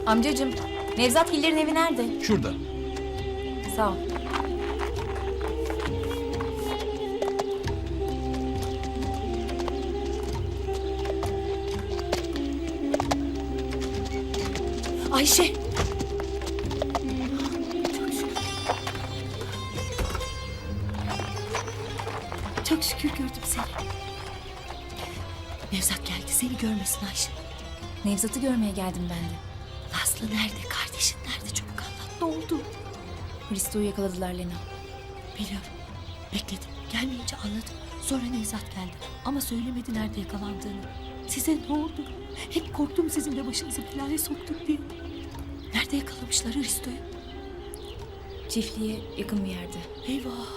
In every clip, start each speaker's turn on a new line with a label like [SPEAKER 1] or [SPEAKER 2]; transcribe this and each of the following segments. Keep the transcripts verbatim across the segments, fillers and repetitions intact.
[SPEAKER 1] Amcacığım, Nevzat Hiller'in evi nerede?
[SPEAKER 2] Şurada.
[SPEAKER 1] Sağ ol. Ayşe!
[SPEAKER 3] Çok şükür gördüm seni. Nevzat geldi, seni görmesin Ayşe.
[SPEAKER 1] Nevzat'ı görmeye geldim ben de.
[SPEAKER 3] Nazlı nerede, kardeşin nerede? Çabuk anlat, ne oldu?
[SPEAKER 1] Hristo'yu yakaladılar Lena.
[SPEAKER 3] Biliyorum, bekledim. Gelmeyince anladım. Sonra Nevzat geldi ama söylemedi nerede yakalandığını. Size ne oldu? Hep korktum sizin de başınızı belaya soktuk diye. Nerede yakalamışlar Hristo'yu?
[SPEAKER 1] Çiftliğe yakın bir yerde.
[SPEAKER 3] Eyvah!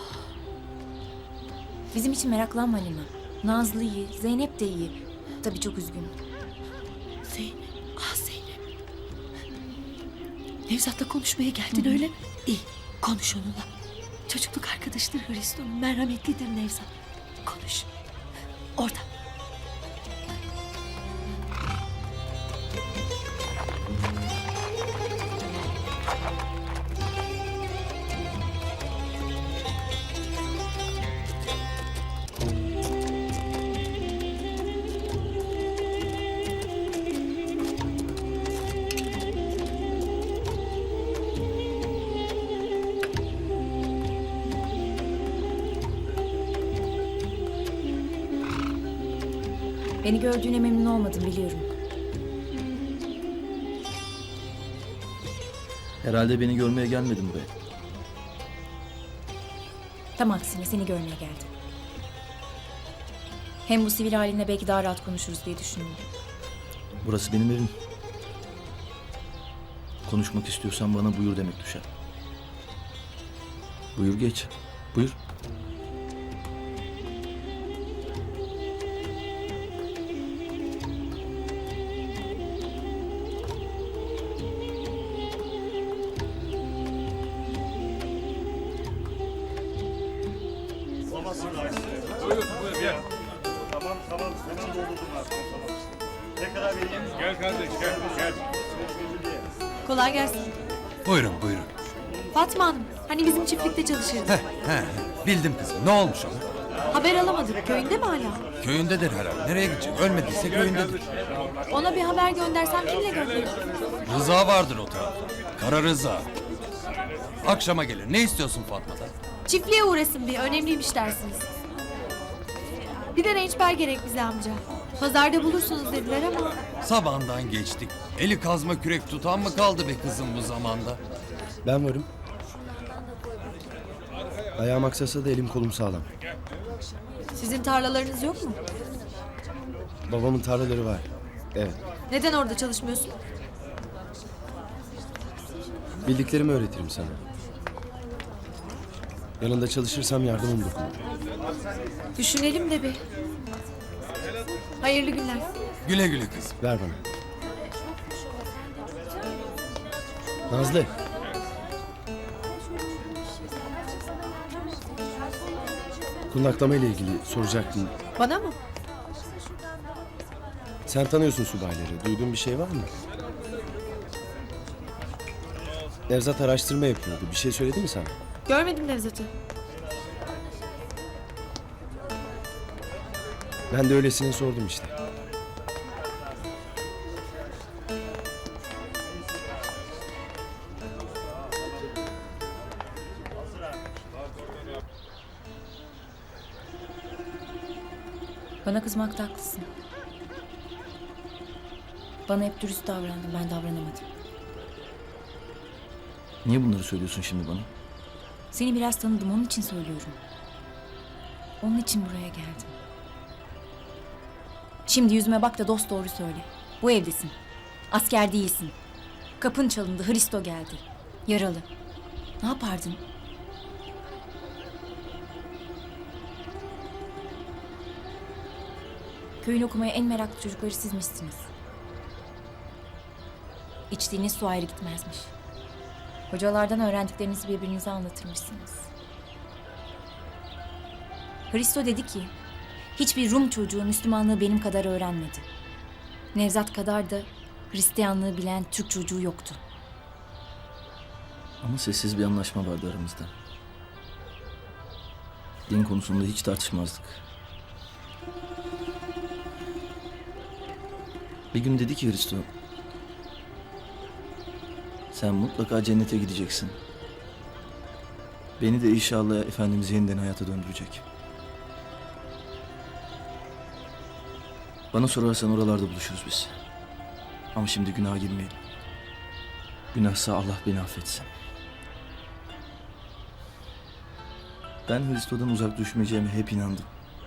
[SPEAKER 1] Bizim için meraklanma Lena. Nazlı iyi, Zeynep de iyi. Tabii çok üzgün.
[SPEAKER 3] Zeynep, ah Zeynep. Nevzat'la konuşmaya geldin öyle mi? İyi, konuş onunla. Çocukluk arkadaşıdır Hristo'nun, merhametlidir Nevzat. Konuş. Orada.
[SPEAKER 1] Beni gördüğüne memnun olmadım biliyorum.
[SPEAKER 2] Herhalde beni görmeye gelmedin buraya.
[SPEAKER 1] Tam aksine seni görmeye geldim. Hem bu sivil halinle belki daha rahat konuşuruz diye düşündüm.
[SPEAKER 2] Burası benim evim. Konuşmak istiyorsan bana buyur demek düşer. Buyur geç. Buyur.
[SPEAKER 4] Buyurun, buyur gel.
[SPEAKER 5] Tamam tamam hemen doldurdum artık. Ne kadar vereyim?
[SPEAKER 4] Gel kardeş, gel, gel.
[SPEAKER 3] Kolay gelsin.
[SPEAKER 6] Buyurun buyurun.
[SPEAKER 3] Fatma Hanım, hani bizim çiftlikte çalışırdı.
[SPEAKER 6] Heh, heh, bildim kızım. Ne olmuş ona?
[SPEAKER 3] Haber alamadık, köyünde mi hala?
[SPEAKER 6] Köyündedir herhalde. Nereye gidecek? Ölmediyse köyündedir.
[SPEAKER 3] Ona bir haber göndersem kimle gönderirim?
[SPEAKER 6] Rıza vardır o tarafta. Kara Rıza. Akşama gelir. Ne istiyorsun Fatma'dan?
[SPEAKER 3] Çiftliğe uğrasın bir, önemliymiş dersiniz. Bir de rençber gerek bize amca. Pazarda bulursunuz dediler ama...
[SPEAKER 6] Sabahından geçtik. Eli kazma kürek tutan mı kaldı be kızım bu zamanda?
[SPEAKER 7] Ben varım. Ayağım aksasa da elim kolum sağlam.
[SPEAKER 3] Sizin tarlalarınız yok mu?
[SPEAKER 7] Babamın tarlaları var. Evet.
[SPEAKER 3] Neden orada çalışmıyorsun?
[SPEAKER 7] Bildiklerimi öğretirim sana. Yanında çalışırsam yardımım dokunur.
[SPEAKER 3] Düşünelim de bir. Hayırlı günler.
[SPEAKER 6] Güle güle kızım.
[SPEAKER 7] Ver bana. Nazlı. Kundaklama ile ilgili soracaktım.
[SPEAKER 3] Bana mı?
[SPEAKER 7] Sen tanıyorsun subayları. Duyduğun bir şey var mı? Nevzat araştırma yapıyordu. Bir şey söyledi mi sana?
[SPEAKER 3] Görmedim Nevzat'ı.
[SPEAKER 7] Ben de öylesine sordum işte.
[SPEAKER 1] Bana kızmakta haklısın. Bana hep dürüst davrandın, ben davranamadım.
[SPEAKER 2] Niye bunları söylüyorsun şimdi bana?
[SPEAKER 1] Seni biraz tanıdım, onun için söylüyorum. Onun için buraya geldim. Şimdi yüzüme bak da dost doğru söyle. Bu evdesin. Asker değilsin. Kapın çalındı, Hristo geldi. Yaralı. Ne yapardın? Köyün okumaya en meraklı çocukları sizmişsiniz. İçtiğiniz su ayrı gitmezmiş. Hocalardan öğrendiklerinizi birbirinize anlatırmışsınız. Hristo dedi ki, hiçbir Rum çocuğu Müslümanlığı benim kadar öğrenmedi. Nevzat kadar da Hristiyanlığı bilen Türk çocuğu yoktu.
[SPEAKER 2] Ama sessiz bir anlaşma vardı aramızda. Din konusunda hiç tartışmazdık. Bir gün dedi ki Hristo, sen mutlaka cennete gideceksin. Beni de inşallah Efendimiz yeniden hayata döndürecek. Bana sorarsan oralarda buluşuruz biz. Ama şimdi günaha girmeyelim. Günahsa Allah beni affetsin. Ben Hristo'dan uzak düşmeyeceğime hep inandım.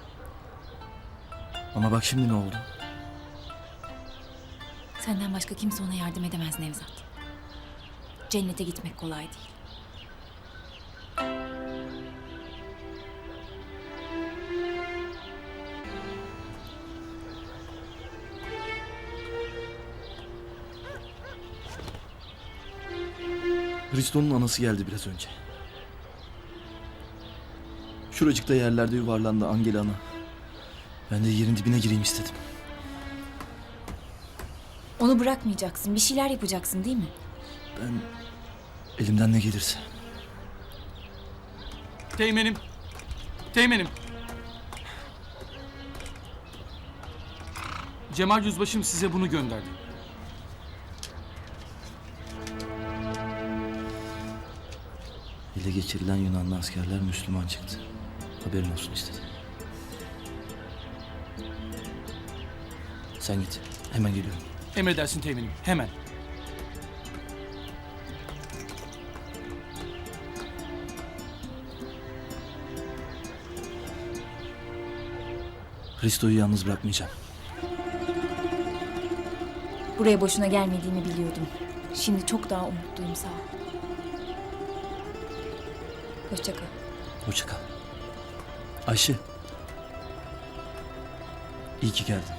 [SPEAKER 2] Ama bak şimdi ne oldu?
[SPEAKER 1] Senden başka kimse ona yardım edemez Nevzat. Cennete gitmek kolay değil.
[SPEAKER 2] Hristo'nun anası geldi biraz önce. Şuracıkta yerlerde yuvarlandı Angela ana. Ben de yerin dibine gireyim istedim.
[SPEAKER 1] Onu bırakmayacaksın, bir şeyler yapacaksın değil mi?
[SPEAKER 2] Ben elimden ne gelirse.
[SPEAKER 8] Teğmenim. Teğmenim. Cemal Yüzbaşım size bunu gönderdi.
[SPEAKER 2] Ele geçirilen Yunanlı askerler Müslüman çıktı. Haberin olsun istedim. Sen git. Hemen geliyorum.
[SPEAKER 8] Emredersin teğmenim. Hemen.
[SPEAKER 2] Hristo'yu yalnız bırakmayacağım.
[SPEAKER 1] Buraya boşuna gelmediğimi biliyordum. Şimdi çok daha umutluyum, sağ ol. Hoşça kal.
[SPEAKER 2] Hoşça kal. Ayşe. İyi ki geldin.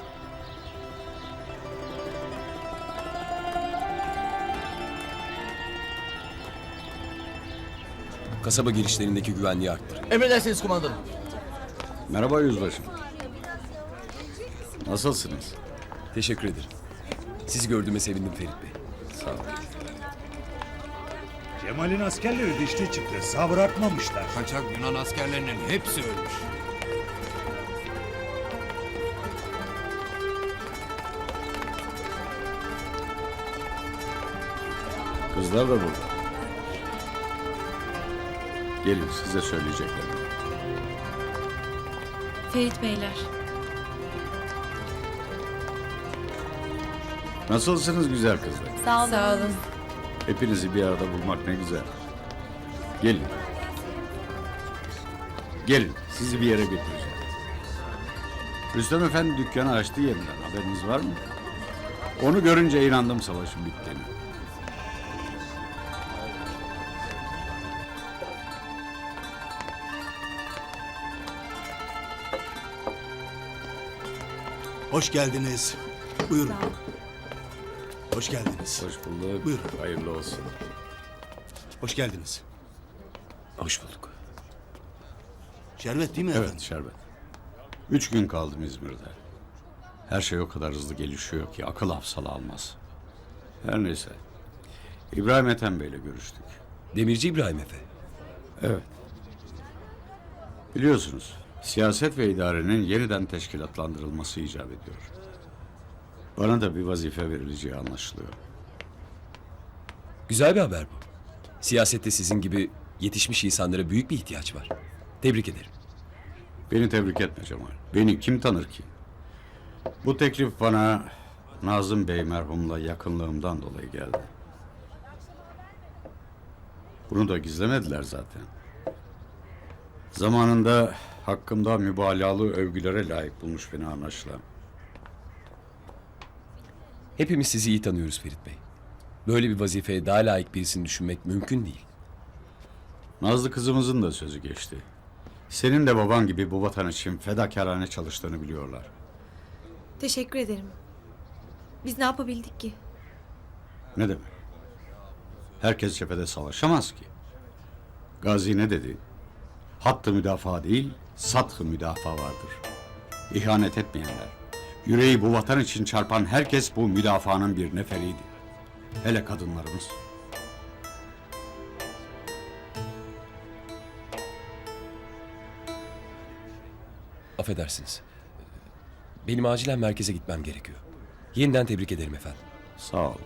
[SPEAKER 9] Kasaba girişlerindeki güvenliği arttır.
[SPEAKER 2] Emredersiniz kumandanım.
[SPEAKER 10] Merhaba yüzbaşım. Nasılsınız?
[SPEAKER 9] Teşekkür ederim. Sizi gördüğüme sevindim Ferit Bey.
[SPEAKER 10] Sağ olun.
[SPEAKER 5] Cemal'in askerleri dişli çıktı. Sağ bırakmamışlar.
[SPEAKER 6] Kaçak Yunan askerlerinin hepsi ölmüş.
[SPEAKER 10] Kızlar da burada. Gelin size söyleyeceklerim.
[SPEAKER 3] Ferit Beyler.
[SPEAKER 10] Nasılsınız güzel kızlar?
[SPEAKER 1] Sağ olun. Sağ olun.
[SPEAKER 10] Hepinizi bir arada bulmak ne güzel. Gelin. Gelin sizi bir yere götüreceğim. Rüstem Efendi dükkanı açtı yeniden. Haberiniz var mı? Onu görünce inandım savaşın bittiğine.
[SPEAKER 11] Hoş geldiniz. Buyurun. Hoş geldiniz.
[SPEAKER 10] Hoş bulduk.
[SPEAKER 11] Buyurun.
[SPEAKER 10] Hayırlı olsun.
[SPEAKER 11] Hoş geldiniz.
[SPEAKER 9] Hoş bulduk.
[SPEAKER 11] Şerbet değil mi
[SPEAKER 10] Evet
[SPEAKER 11] efendim?
[SPEAKER 10] şerbet. Üç gün kaldım İzmir'de. Her şey o kadar hızlı gelişiyor ki akıl hafsala almaz. Her neyse. İbrahim Ethem Bey'le görüştük.
[SPEAKER 9] Demirci İbrahim Efe.
[SPEAKER 10] Evet. Biliyorsunuz siyaset ve idarenin yeniden teşkilatlandırılması icap ediyor. Bana da bir vazife verileceği anlaşılıyor.
[SPEAKER 9] Güzel bir haber bu. Siyasette sizin gibi yetişmiş insanlara büyük bir ihtiyaç var. Tebrik ederim.
[SPEAKER 10] Beni tebrik etme Cemal. Beni kim tanır ki? Bu teklif bana Nazım Bey merhumla yakınlığımdan dolayı geldi. Bunu da gizlemediler zaten. Zamanında hakkımda mübalağalı övgülere layık bulmuş beni anlaşılan.
[SPEAKER 9] Hepimiz sizi iyi tanıyoruz Ferit Bey. Böyle bir vazifeye daha layık birisini düşünmek mümkün değil.
[SPEAKER 10] Nazlı kızımızın da sözü geçti. Senin de baban gibi bu vatan için fedakarane çalıştığını biliyorlar.
[SPEAKER 3] Teşekkür ederim. Biz ne yapabildik ki?
[SPEAKER 10] Ne demek? Herkes cephede savaşamaz ki. Gazi ne dedi? Hattı müdafaa değil, sathı müdafaa vardır. İhanet etmeyenler, Yüreği bu vatan için çarpan herkes bu müdafaanın bir neferiydi. Hele kadınlarımız.
[SPEAKER 9] Affedersiniz. Benim acilen merkeze gitmem gerekiyor. Yeniden tebrik ederim efendim.
[SPEAKER 10] Sağ olun.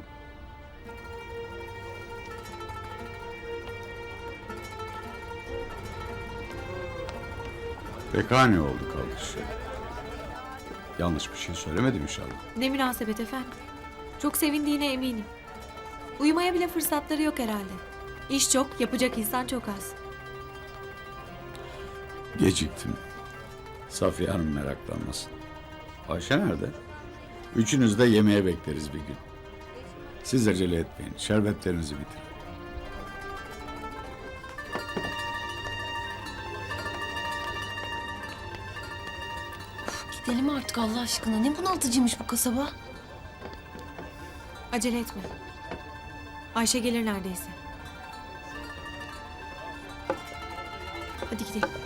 [SPEAKER 10] Pekani oldu kalkış. Yanlış bir şey söylemedim inşallah.
[SPEAKER 3] Ne münasebet efendim. Çok sevindiğine eminim. Uyumaya bile fırsatları yok herhalde. İş çok, yapacak insan çok az.
[SPEAKER 10] Geciktim. Safiye Hanım meraklanmasın. Ayşe nerede? Üçünüz de yemeğe bekleriz bir gün. Siz acele etmeyin. Şerbetlerinizi bitirin.
[SPEAKER 3] Gidelim artık Allah aşkına. Ne bunaltıcıymış bu kasaba. Acele etme. Ayşe gelir neredeyse. Hadi gidelim.